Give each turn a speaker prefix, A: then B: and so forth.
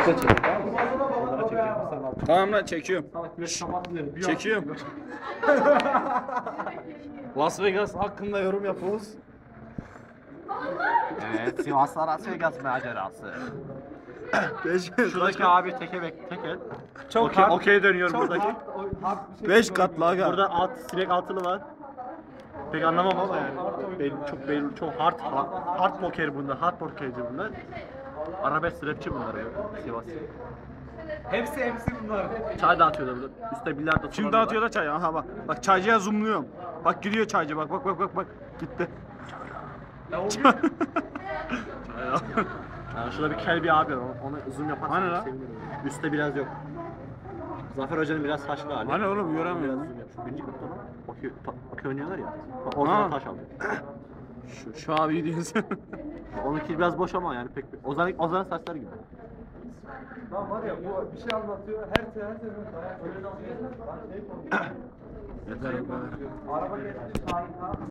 A: Tamam lan çekiyorum. Çekiyorum. Las Vegas hakkında yorum yapıyoruz.
B: Evet, Sivas'la Las Vegas macerası.
C: Şuradaki abi teke teke.
A: Çok
C: Okey dönüyor buradaki.
A: 5 katlı aga.
C: Burada sinek altılı var. Pek anlamam ama yani. Çok belli, çok hard poker bunlar, hard pokerci bunlar. Arabesk rapçi bunlar ya, Sivas.
D: Hepsi bunlar.
C: Çay dağıtıyorlar burada. Üstte bilardo.
A: Kim dağıtıyor da çayı? Aha bak. Bak çaycıya zoomluyorum. Bak gidiyor çaycı bak bak. Gitti.
C: Yani şurada bir kel bir abi var. Onu zoom yaparsan
A: Hani lan?
C: sevinirim. Üstte biraz yok. Zafer Hoca'nın biraz saçlı hali.
A: Hani oğlum
C: Biraz
A: göremiyorum.
C: zoom yap. Şu birinci katta lan. Okey oynuyorlar ya. Ortadan
A: Ha.
C: taş aldı.
A: Şu abi diyorsun.
C: Onunki biraz boş ama yani pek. Ozan'ın saçları gibi.
D: Lan var ya bu bir şey anlatıyor. Her seferinde dayak.
A: Yeter bu kadar.
D: Araba geçti.